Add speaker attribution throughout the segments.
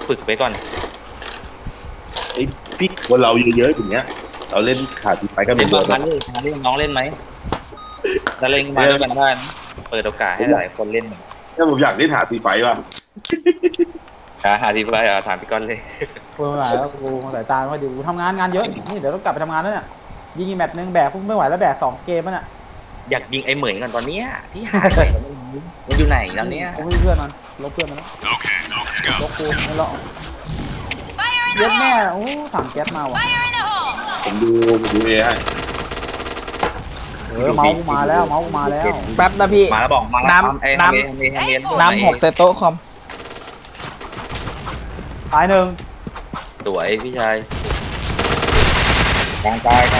Speaker 1: ฝึกไปก่อน
Speaker 2: ไอ้พี่คนเราเยอะๆอย่างเงี้ยเราเล่นขาดไปก็เป็
Speaker 1: เล่
Speaker 2: น
Speaker 1: น
Speaker 2: เบอ
Speaker 1: บาง
Speaker 2: ร์
Speaker 1: ครั้งเล่นน้องเล่นไหมแล้วเล่นมาด้วยกันได้นะเปิดโอกาสให้หลายคนเล่น
Speaker 2: ถ้าผมอยากเล่นหาตีไฟว่ะ
Speaker 1: หาทีไปถามพี่ก้อนเลย
Speaker 3: กูไม่ไหวแล้วกูสายตาไม่ค่อยดีกูทำงานเยอะนี่เดี๋ยวต้องกลับไปทำงานแล้วเนี่ยยิงอีกแมตช์นึงแบกพวกไม่ไหวแล้วแบก2 เกมแล้วเนี่ย
Speaker 1: อยากยิงไอ้เหมยก่อนตอนเนี้ยที่หาไหนมันอยู่ไหนตอนเนี้ย
Speaker 3: กูไม่มีเพื่อนมันลบเพื่อนมันแล้วลบกูไม่รอดเย็ดแม่โอ้ถังแก๊สมาว่ะ
Speaker 2: ผมดูเอให้
Speaker 3: เมาส์มาแล้วเมาส์มาแล้ว
Speaker 4: แป๊บนะพี่
Speaker 1: มาแล้วบอกมาแล้ว
Speaker 4: น้ำ6ใส่โต๊ะคอม
Speaker 3: ตายหนึ่ง
Speaker 1: สวยพี่ชายกลางตาย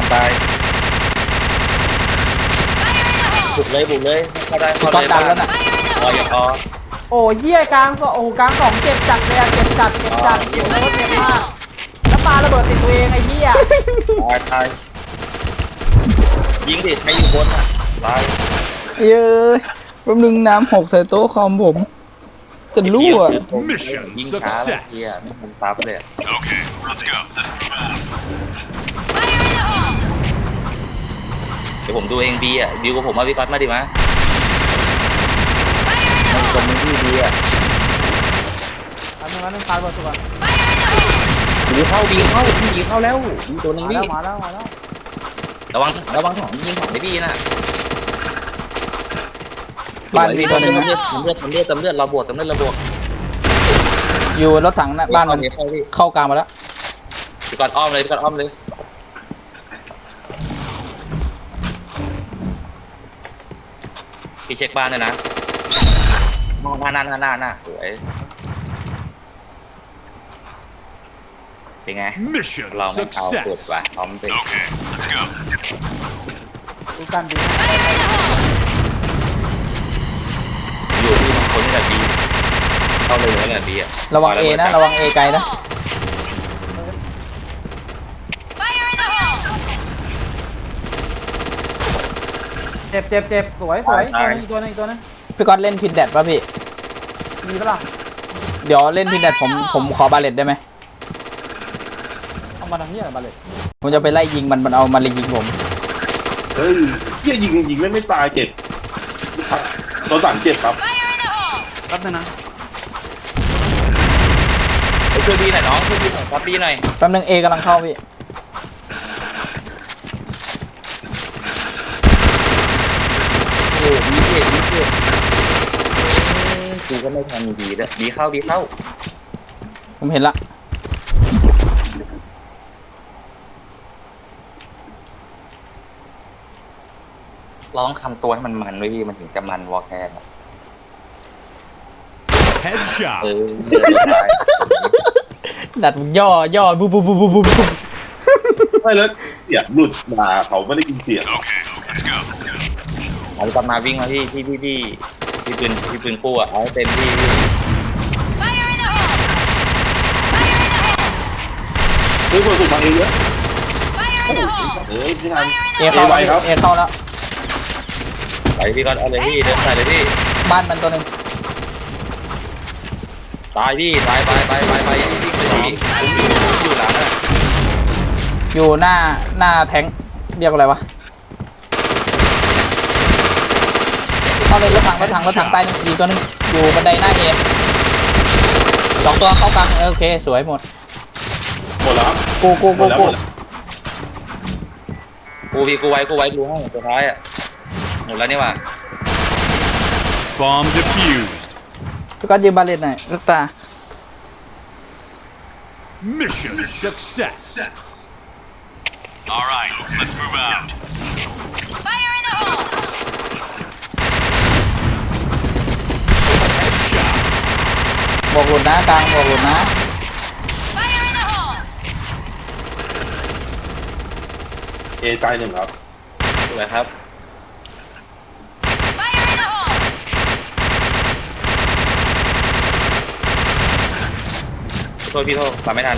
Speaker 1: บุกเลยเข้าได้
Speaker 4: พี่ก๊อตดันแล้วน่ะ
Speaker 1: พออย่าพอ
Speaker 3: โอ้ยเหี้ยกลางโอ้กลาง2เจ็บจัดเลยอะเจ็บจัดเจ็บเลยเจ็บมากแล้วปาระเบิดติดตัวเองไอ้เหี้ย
Speaker 1: ตายยิงดิใครอยู่บนอ่ะตาย
Speaker 4: เย้ยแป๊บนึงน้ำ6ใส่โต๊ะคอมผมจะรั่ว
Speaker 1: ยิงช้าเฮียมันซับเลยเดี๋ยวผมดูเองบีอ่ะบิวกับผมมาพี่ก๊อตมาดิมาคนนึงที่บีอ่ะ
Speaker 3: อันนึงตายหมดตัว
Speaker 1: บีเข้าแล้วบีตัวนึง
Speaker 3: มา
Speaker 1: บี
Speaker 3: แล้ว
Speaker 1: ระวังของยิงของไอ้บีน่ะ
Speaker 4: บ้านมีตัวหนึ่ง
Speaker 1: เลือดเราบวกเราบวก
Speaker 4: อยู่รถถังนะบ้านมันเข้ากลางมาแล้ว
Speaker 1: พี่ก๊อตอ้อมเลยพี่เช็คบ้านเลยนะหน้าสวยเป็นไงเราไม่เอาเปิดว่ะพร้อมเป็น
Speaker 3: ดูกันดี
Speaker 1: อยู่ที่บางคนนี่แหละดีเข้าเลยแล้วแหละดีอ่ะ
Speaker 4: ระวัง A นะระวัง A ไกลนะ
Speaker 3: เจ็บสวยตัวนึง
Speaker 4: พี่ก๊อตเล่นพินแดดป่ะพี่
Speaker 3: มีปะล่ะ
Speaker 4: เดี๋ยวเล่นพินแดดผมขอบาเลตได้ไหม
Speaker 3: เอามาทำเหี้ยอะไรบาเลต
Speaker 4: ผมจะไปไล่ยิงมันเอามาเลยยิงผม
Speaker 2: เฮ้ยเหี้ยยิงไม่ตายเจ็บตัวสั่งเจ็บครับ
Speaker 3: แป๊บนึงนะ
Speaker 1: ช่วยดีหน่อยน้องช่วยดีหน่อยครับดีหน่อย
Speaker 4: แป๊บนึง A กำลังเข้าพี่
Speaker 1: โอ้ดีเจ็บกูก็ไม่ทันดีแล้วดีเข้า
Speaker 4: ผมเห็นละ
Speaker 1: ร้องคำตัวให้มันไว้พี่มันถึงจะมันวอลแคร์
Speaker 5: Headshot.
Speaker 4: ดัดย่อบุบ
Speaker 2: ไม่เลยเสียงหลุดมาเขาไม่ได้กินเสียง
Speaker 1: เอากลับมาวิ่งมาที่ปืนคู่อ่ะเอาเต็มที่
Speaker 2: เฮ้ยคนสุดมาเองเยอะเฮ้ยพี่ทัน
Speaker 4: เอเข้า
Speaker 2: ไป
Speaker 4: แล้ว
Speaker 2: ครับ
Speaker 4: เอเข้าแล้ว
Speaker 1: ไปพี่ก็เอาเลยพี่เดินใส่เลยพี่
Speaker 4: บ้านมันตัวหนึ่ง
Speaker 1: ตายพี่ตายไปวิ่งไปพี่ผมอยู่หลังอ่ะ
Speaker 4: อยู่หน้าแทงค์เรียกอะไรวะเข้าเลยรถถังตายหนึ่งอีกตัวหนึงอยู่บันไดหน้าเอ2 ตัวเข้ากลางโอเคสวยหมด
Speaker 2: หมดแล้วครับ
Speaker 4: กู
Speaker 1: กูไว้ดูให้สุดท้ายอ่ะหมดแล้วนี่ว่ะ
Speaker 5: Bomb defused.
Speaker 4: พี่ก๊อตยืมบาเลตหน่อยลูกตา
Speaker 5: Mission success. All right, let's move out.
Speaker 4: บอกหลุดนะกลางบอกหลุดนะ
Speaker 2: เอตายหนึ่งครับ
Speaker 1: สวยครับโทษพี่โทษตามไม่ทัน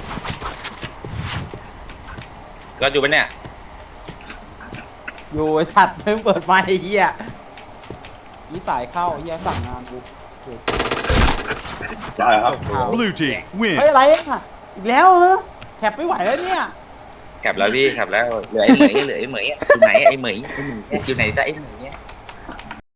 Speaker 1: ก็อยู่ปะเนี่ย
Speaker 3: อยู่ไอสัตว์เพิ่งเปิดไฟไอ้เหี้ยอีสายเข้าเหี้ยสั่งงานกู
Speaker 2: ได้ครับ
Speaker 5: Blue team
Speaker 3: เฮ้ย
Speaker 5: win.
Speaker 3: อะไรอ่ะอีกแล้วเหรอแคปไม่ไหวแล้วเนี่ย
Speaker 1: แคปแล้วพี่แคปแล้วเหลือไอ้เหมยอยู่ไหนไอ้เหมยอยู่ไหนจ้ะไอ้เหมย